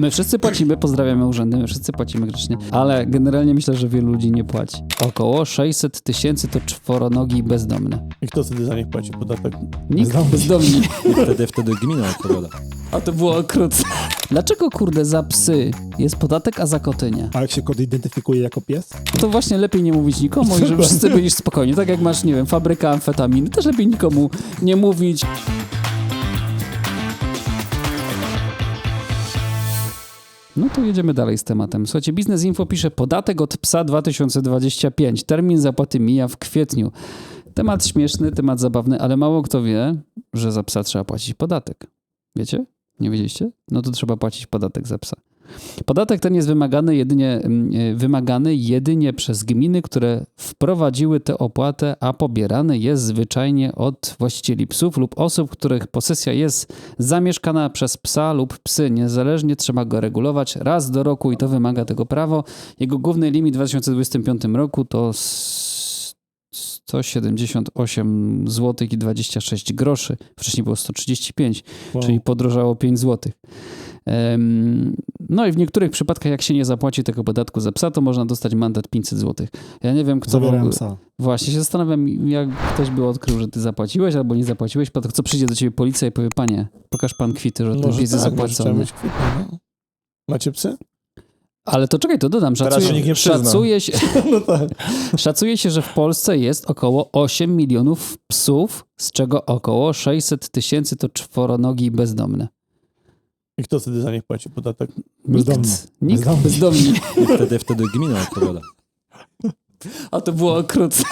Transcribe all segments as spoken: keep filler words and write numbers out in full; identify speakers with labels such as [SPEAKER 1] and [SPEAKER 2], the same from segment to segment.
[SPEAKER 1] My wszyscy płacimy, pozdrawiamy urzędy, my wszyscy płacimy grzecznie, ale generalnie myślę, że wielu ludzi nie płaci. Około sześćset tysięcy to czworonogi i bezdomne.
[SPEAKER 2] I kto wtedy za nich płaci podatek?
[SPEAKER 1] Nikt bezdomni.
[SPEAKER 3] Wtedy, wtedy gmina odpowiada.
[SPEAKER 1] A to było okrutne. Dlaczego, kurde, za psy jest podatek, a za koty nie?
[SPEAKER 2] A jak się kot identyfikuje jako pies?
[SPEAKER 1] To właśnie lepiej nie mówić nikomu i żeby wszyscy byli spokojni. Tak jak masz, nie wiem, fabrykę amfetaminy, też lepiej nikomu nie mówić. No to jedziemy dalej z tematem. Słuchajcie, Biznes Info pisze podatek od psa dwa tysiące dwudziesty piąty. Termin zapłaty mija w kwietniu. Temat śmieszny, temat zabawny, ale mało kto wie, że za psa trzeba płacić podatek. Wiecie? Nie wiedzieliście? No to trzeba płacić podatek za psa. Podatek ten jest wymagany jedynie, wymagany jedynie przez gminy, które wprowadziły tę opłatę, a pobierany jest zwyczajnie od właścicieli psów lub osób, których posesja jest zamieszkana przez psa lub psy. Niezależnie trzeba go regulować raz do roku i to wymaga tego prawo. Jego główny limit w dwa tysiące dwudziestym piątym roku to sto siedemdziesiąt osiem złotych i dwadzieścia sześć groszy. Wcześniej było sto trzydzieści pięć, wow. Czyli podrożało pięć złotych. No i w niektórych przypadkach, jak się nie zapłaci tego podatku za psa, to można dostać mandat pięćset złotych. Ja nie wiem, kto...
[SPEAKER 2] Zabierałem psa.
[SPEAKER 1] Właśnie się zastanawiam, jak ktoś by odkrył, że ty zapłaciłeś albo nie zapłaciłeś, co przyjdzie do ciebie policja i powie, panie, pokaż pan kwity, że ten
[SPEAKER 2] Może
[SPEAKER 1] pies jest
[SPEAKER 2] tak,
[SPEAKER 1] zapłacony.
[SPEAKER 2] Mieć kwity, no. Macie psy?
[SPEAKER 1] Ale to czekaj, to dodam. Szacuje,
[SPEAKER 3] się nikt nie przyzna.
[SPEAKER 1] szacuje, się,
[SPEAKER 2] No tak.
[SPEAKER 1] szacuje się, że w Polsce jest około osiem milionów psów, z czego około sześćset tysięcy to czworonogi i bezdomne.
[SPEAKER 2] I kto wtedy za nich płaci podatek?
[SPEAKER 1] Bezdomni. Nikt, bezdomni. bezdomni.
[SPEAKER 3] I wtedy, wtedy gmina odpowiada.
[SPEAKER 1] A to było okrutne.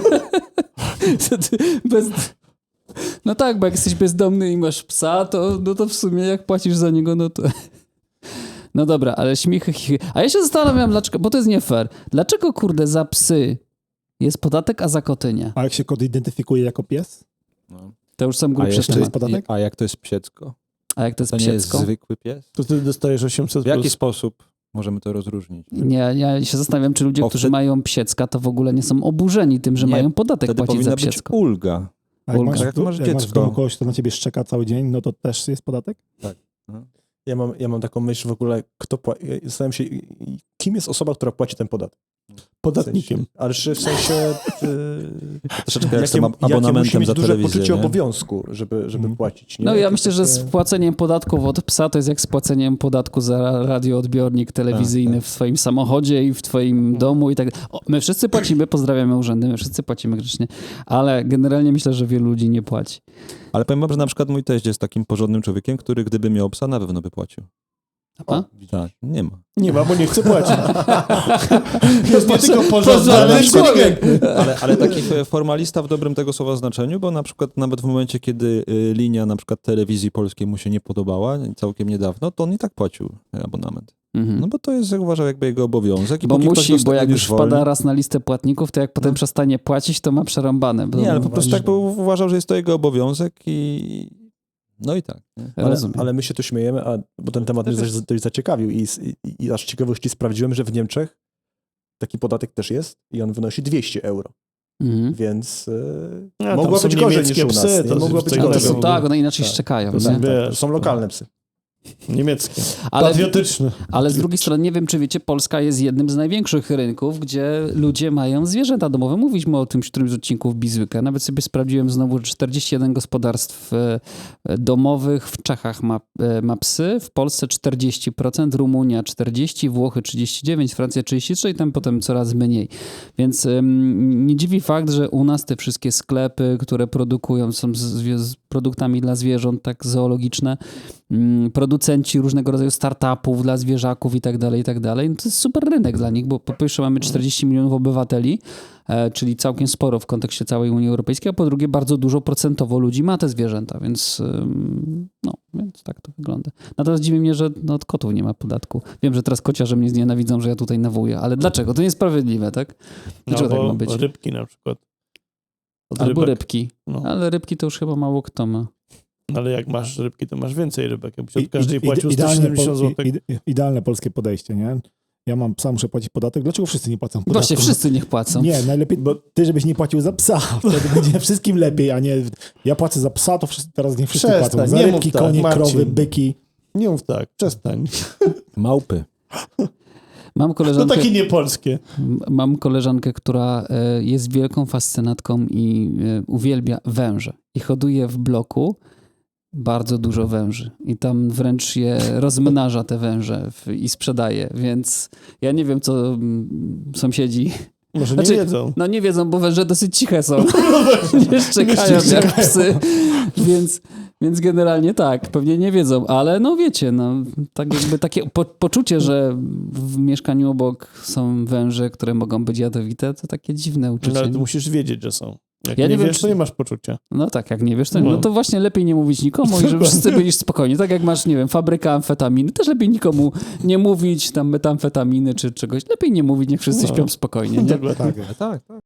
[SPEAKER 1] Bez... No tak, bo jak jesteś bezdomny i masz psa, to, no to w sumie jak płacisz za niego, no to... No dobra, ale śmichy, chichy. A ja się zastanawiam, dlaczego, bo to jest nie fair. Dlaczego, kurde, za psy jest podatek, a za koty nie?
[SPEAKER 2] A jak się kot identyfikuje jako pies?
[SPEAKER 3] No.
[SPEAKER 1] To już są grubsze
[SPEAKER 2] jeszcze jest
[SPEAKER 1] tematy.
[SPEAKER 2] podatek?
[SPEAKER 3] A jak to jest psiecko?
[SPEAKER 1] A jak to jest
[SPEAKER 3] To nie jest
[SPEAKER 1] psiecko?
[SPEAKER 3] zwykły pies?
[SPEAKER 2] To wtedy dostajesz osiemset
[SPEAKER 3] W jaki
[SPEAKER 2] plus.
[SPEAKER 3] sposób możemy to rozróżnić?
[SPEAKER 1] Nie, ja się zastanawiam, czy ludzie,
[SPEAKER 3] Bo
[SPEAKER 1] którzy
[SPEAKER 3] wtedy-
[SPEAKER 1] mają psiecka, to w ogóle nie są oburzeni tym, że
[SPEAKER 3] Nie,
[SPEAKER 1] mają podatek
[SPEAKER 3] Wtedy
[SPEAKER 1] płacić za
[SPEAKER 3] powinna być
[SPEAKER 1] psiecko.
[SPEAKER 3] ulga.
[SPEAKER 2] A jak
[SPEAKER 1] Ulga.
[SPEAKER 2] masz,
[SPEAKER 3] Jak to masz
[SPEAKER 2] jak masz w
[SPEAKER 3] dziecko?
[SPEAKER 2] domu kogoś, kto na ciebie szczeka cały dzień, no to też jest podatek?
[SPEAKER 4] Ja mam, ja mam taką myśl w ogóle, kto płaci. Zastanawiam się, kim jest osoba, która płaci ten podatek.
[SPEAKER 2] Podatnikiem.
[SPEAKER 4] W sensie, ale czy w sensie... Yy,
[SPEAKER 3] Troszeczkę jak z tym
[SPEAKER 4] jakie
[SPEAKER 3] abonamentem
[SPEAKER 4] musi mieć
[SPEAKER 3] za
[SPEAKER 4] duże
[SPEAKER 3] telewizję,
[SPEAKER 4] poczucie
[SPEAKER 3] nie?
[SPEAKER 4] obowiązku, żeby, żeby
[SPEAKER 2] Mhm.
[SPEAKER 4] płacić. Nie?
[SPEAKER 1] No ja
[SPEAKER 4] To
[SPEAKER 1] myślę, że
[SPEAKER 4] takie-
[SPEAKER 1] z płaceniem podatków od psa to jest jak z płaceniem podatku za radioodbiornik telewizyjny
[SPEAKER 3] tak.
[SPEAKER 1] w swoim samochodzie i w twoim domu i tak. O, my wszyscy płacimy, pozdrawiamy urzędy, my wszyscy płacimy grzecznie, ale generalnie myślę, że wielu ludzi nie płaci.
[SPEAKER 3] Ale powiem wam, że na przykład mój teść jest takim porządnym człowiekiem, który gdyby miał psa, na pewno by płacił.
[SPEAKER 1] A?
[SPEAKER 3] Tak, nie ma.
[SPEAKER 2] Nie ma, bo nie chce płacić. Jest nie tylko porządny,
[SPEAKER 1] porządny
[SPEAKER 2] ale
[SPEAKER 1] człowiek.
[SPEAKER 3] Ale, ale taki formalista w dobrym tego słowa znaczeniu, bo na przykład nawet w momencie, kiedy y, linia na przykład telewizji polskiej mu się nie podobała, całkiem niedawno, to on i tak płacił abonament.
[SPEAKER 1] Mhm.
[SPEAKER 3] No bo to jest, jak uważał, jakby jego obowiązek. I
[SPEAKER 1] Bo
[SPEAKER 3] póki ktoś
[SPEAKER 1] musi, bo
[SPEAKER 3] dostaje
[SPEAKER 1] jak już
[SPEAKER 3] zwolni-
[SPEAKER 1] wpada raz na listę płatników, to jak potem
[SPEAKER 3] No.
[SPEAKER 1] przestanie płacić, to ma przerąbane. Bo
[SPEAKER 3] Nie, ale po
[SPEAKER 1] no,
[SPEAKER 3] prostu jakby uważał, że jest to jego obowiązek i... No i tak. Nie?
[SPEAKER 4] Ale,
[SPEAKER 1] rozumiem.
[SPEAKER 4] ale my się tu śmiejemy, a, bo ten temat mnie dość, dość zaciekawił i, i, i aż ciekawości sprawdziłem, że w Niemczech taki podatek też jest i on wynosi dwieście euro,
[SPEAKER 1] Mhm.
[SPEAKER 4] więc
[SPEAKER 2] A,
[SPEAKER 4] yy,
[SPEAKER 2] tam
[SPEAKER 4] mogła
[SPEAKER 2] są
[SPEAKER 4] być gorzej niż
[SPEAKER 2] niemieckie
[SPEAKER 4] u nas.
[SPEAKER 2] psy,
[SPEAKER 4] nie?
[SPEAKER 2] to
[SPEAKER 4] mogła
[SPEAKER 2] jest
[SPEAKER 4] być
[SPEAKER 2] coś
[SPEAKER 1] A to
[SPEAKER 4] gorzej.
[SPEAKER 1] są,
[SPEAKER 2] innego.
[SPEAKER 1] tak, one inaczej
[SPEAKER 2] Tak.
[SPEAKER 1] szczekają.
[SPEAKER 4] To
[SPEAKER 1] Nie?
[SPEAKER 4] są, tak,
[SPEAKER 2] Wiesz,
[SPEAKER 4] to są lokalne psy.
[SPEAKER 2] Niemieckie.
[SPEAKER 1] Ale,
[SPEAKER 2] Patriotyczny.
[SPEAKER 1] ale z drugiej strony, nie wiem, czy wiecie, Polska jest jednym z największych rynków, gdzie ludzie mają zwierzęta domowe. Mówiliśmy o tym w którymś z odcinków Bizwyka. Nawet sobie sprawdziłem znowu, że czterdzieści jeden gospodarstw e, domowych w Czechach ma, e, ma psy, w Polsce czterdzieści procent, Rumunia czterdzieści procent, Włochy trzydzieści dziewięć procent, Francja trzydzieści trzy procent i tam potem coraz mniej. Więc ym, nie dziwi fakt, że u nas te wszystkie sklepy, które produkują, są z, z produktami dla zwierząt, tak zoologiczne, ym, producenci różnego rodzaju startupów dla zwierzaków i tak dalej, i tak dalej. No to jest super rynek dla nich, bo po pierwsze mamy czterdzieści milionów obywateli, e, czyli całkiem sporo w kontekście całej Unii Europejskiej, a po drugie bardzo dużo procentowo ludzi ma te zwierzęta, więc ym, no, więc tak to wygląda. Natomiast dziwi mnie, że no, od kotów nie ma podatku. Wiem, że teraz kociarze mnie znienawidzą, że ja tutaj nawołuję, ale dlaczego? To niesprawiedliwe, tak? Dlaczego tak ma być?
[SPEAKER 2] Rybki na przykład. Od
[SPEAKER 1] Albo
[SPEAKER 2] rybek.
[SPEAKER 1] rybki.
[SPEAKER 2] No.
[SPEAKER 1] Ale rybki to już chyba mało kto ma.
[SPEAKER 2] Ale jak masz rybki, to masz więcej rybek. Jakbyś
[SPEAKER 5] I-
[SPEAKER 2] od każdej
[SPEAKER 5] i-
[SPEAKER 2] płacił
[SPEAKER 5] idealne,
[SPEAKER 2] sto siedemdziesiąt
[SPEAKER 5] po-
[SPEAKER 2] złotych.
[SPEAKER 5] i- i- idealne polskie podejście, nie? Ja mam psa, muszę płacić podatek. Dlaczego wszyscy nie płacą podatku?
[SPEAKER 1] Właśnie, wszyscy niech płacą.
[SPEAKER 5] Nie, najlepiej bo ty, żebyś nie płacił za psa. Wtedy będzie wszystkim lepiej, a nie ja płacę za psa, to wszyscy, teraz nie wszyscy
[SPEAKER 2] Przestań,
[SPEAKER 5] płacą. Za
[SPEAKER 2] nie mów
[SPEAKER 5] rybki,
[SPEAKER 2] tak,
[SPEAKER 5] konie,
[SPEAKER 2] Marcin.
[SPEAKER 5] krowy, byki.
[SPEAKER 2] Nie mów tak, przestań.
[SPEAKER 3] Małpy.
[SPEAKER 1] Mam
[SPEAKER 2] No
[SPEAKER 1] koleżankę,
[SPEAKER 2] takie niepolskie.
[SPEAKER 1] m- mam koleżankę, która e, jest wielką fascynatką i e, uwielbia węże. I hoduje w bloku bardzo dużo węży. I tam wręcz je rozmnaża te węże w, i sprzedaje. Więc ja nie wiem, co mm, sąsiedzi...
[SPEAKER 2] Może
[SPEAKER 1] Znaczy,
[SPEAKER 2] nie wiedzą.
[SPEAKER 1] No nie wiedzą, bo węże dosyć ciche są. Nie szczekają jak psy. Więc, więc generalnie tak, pewnie nie wiedzą, ale no wiecie, no tak jakby takie po, poczucie, że w mieszkaniu obok są węże, które mogą być jadowite, to takie dziwne uczucie.
[SPEAKER 2] No, ale ty musisz wiedzieć, że są. Jak
[SPEAKER 1] Ja
[SPEAKER 2] nie,
[SPEAKER 1] nie wiem,
[SPEAKER 2] wiesz,
[SPEAKER 1] czy-
[SPEAKER 2] to nie masz poczucia.
[SPEAKER 1] No tak, jak nie wiesz, to,
[SPEAKER 2] No.
[SPEAKER 1] no to właśnie lepiej nie mówić nikomu i żeby wszyscy byli spokojni. Tak jak masz, nie wiem, fabrykę amfetaminy, też lepiej nikomu nie mówić tam metamfetaminy czy czegoś. Lepiej nie mówić, niech wszyscy
[SPEAKER 2] No.
[SPEAKER 1] śpią spokojnie. Nie?
[SPEAKER 2] Dokładnie.
[SPEAKER 5] Tak.
[SPEAKER 3] Tak, tak.